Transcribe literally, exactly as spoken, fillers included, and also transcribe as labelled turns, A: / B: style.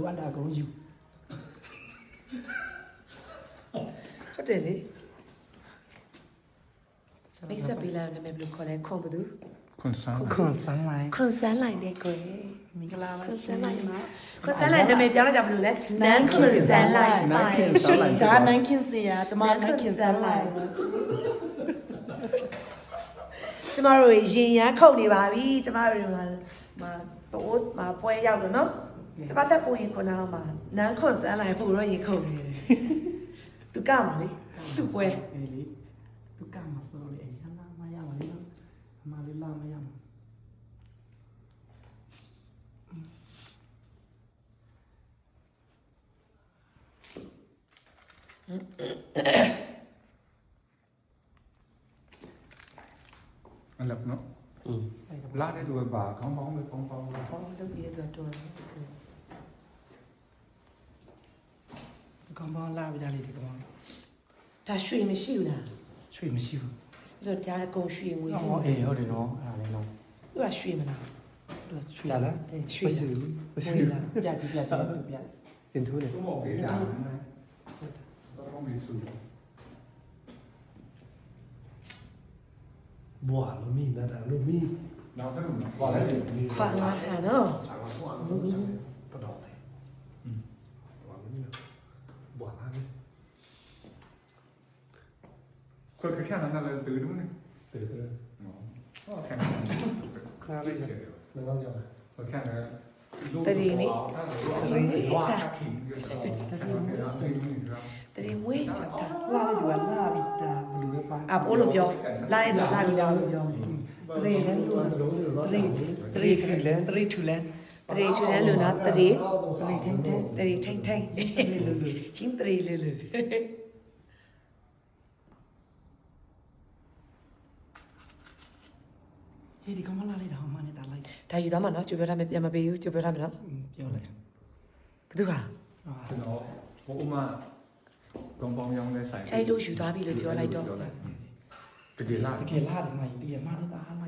A: လိုအပ်တာအကုန်ယူ
B: ဟုတ်တယ်လေမိတ်ဆက်ပေးလာတယ်မယ်ဘယ်လိုခေါ်လဲခွန်ဘသူ
C: ခွန်ဆန်း
A: ခွန်ဆန်းလိုက်
B: ခွန်ဆန်းလိုက်တဲ့ကိုယ်
A: မင်္ဂလာပါ
B: ခွန်ဆန်းလိုက်မှာခွန်ဆန်းလိုက်နာမည်ပြောလိုက်တာဘယ်လိုလဲနန်းခွန်ဆန်းလိုက်
A: နန်းခင်ဆန်းလိုက်ဒါနန်းခင်စရာကျမနန်းခင်ဆန်းလိုက်
B: ကျမတို့ရင်ရမ်းခုတ်နေပါပြီကျမတို့မှာမှာတော့မှာပွဲရောက်လို့နော်ကျမချက်ပုံရင်ခုနကမှာနန်းခွန်ဆန်းလိုက်ပို့တော့ရင်ခုတ်နေတယ်သူကမှာလေသူ့ပွဲ
A: အေးလေသူကမှာဆိုလေအရန်လာမရပါလေနော်အမလေးလာမရမှာ
C: အဲ့လိုနော်လာတဲ့သူကပါခေါင်းပေါင်းပဲပေါင်းပေါင်းလာ
B: ဟောလုပ်ပြီးတော့တော်တယ်
A: ကောင်းပေါင်းလာပြကြလေဒီကောင်
B: ဒါရွှေမရှိဘူးလား
A: ရွှေမရှိဘူး
B: ဆိုတော့ဒါကကုံရွှေငွေ
A: ဟောအေးဟုတ်တယ်နော်အဲ့ဒါလည်းနော်
B: သူကရွှေမလား
A: သူရွှေ
D: လာလား
B: အဲရွှေလား
A: မရှိဘူးပြကြည့်ပြကြည့်သူပြ
D: တင်ထိုးတယ်
C: သူ့မော်ပေးတာတော့ကောင်းပြီစု
D: ဘွာမမီနာတာလို့မီ
C: နောက်တော့ဘာလဲ
B: ခွာလာတာနော်
D: สั่งมาบွာလို့สั่งปะดอกเลยอืมบွာนี่บွာလာนี่
C: ခွက်ခက်ခက်နာလည်းတူတယ်နော်
D: เตะเตะ
C: ဟောခက်
D: คาเลยแล้วก็ยัง
C: ခွက်ခက်လည်း
B: တရီနေ
C: ဝါခင်ကြတယ်
B: တရီမွေးချက်တာ
A: လာလေဒီကလာပြီးတာဘလူပဲပါ
B: အဘိုးလို့ပြောလာရတော့လာပြီးတော့လို့ပြော
A: တရေလန်းလို့
D: လုံးလို့တော့
A: တရေတရေခလန်တရေထူလန်
B: တရီထူတယ်လို့နော်တရီ
A: တရေထင်းထင်း
B: တရီထိန်ထိန်
A: တရေလူလူ
B: ရှင်းတရီလူလူ
A: ဟေးဒီကောင်မလာလေတော့မနဲ့တာလိုက်
B: ဒါယူသားမှာနော်ကြိုပြောထားမယ်ပြန်မပေးဘူးကြိုပြောထားမယ်နော်
A: ပြောလိုက်
B: ဘသူက
C: ကျွန်တော်ဘိုးမကောင်းပေါင်းရောင်းတဲ့ဆိုင်
B: ကျိုက်လို့ယူသားပြီလို့ပြောလိုက်တော့
C: တကယ်လား
A: တကယ်လာတယ်မကြီးတကယ်မနဲ့တာလာ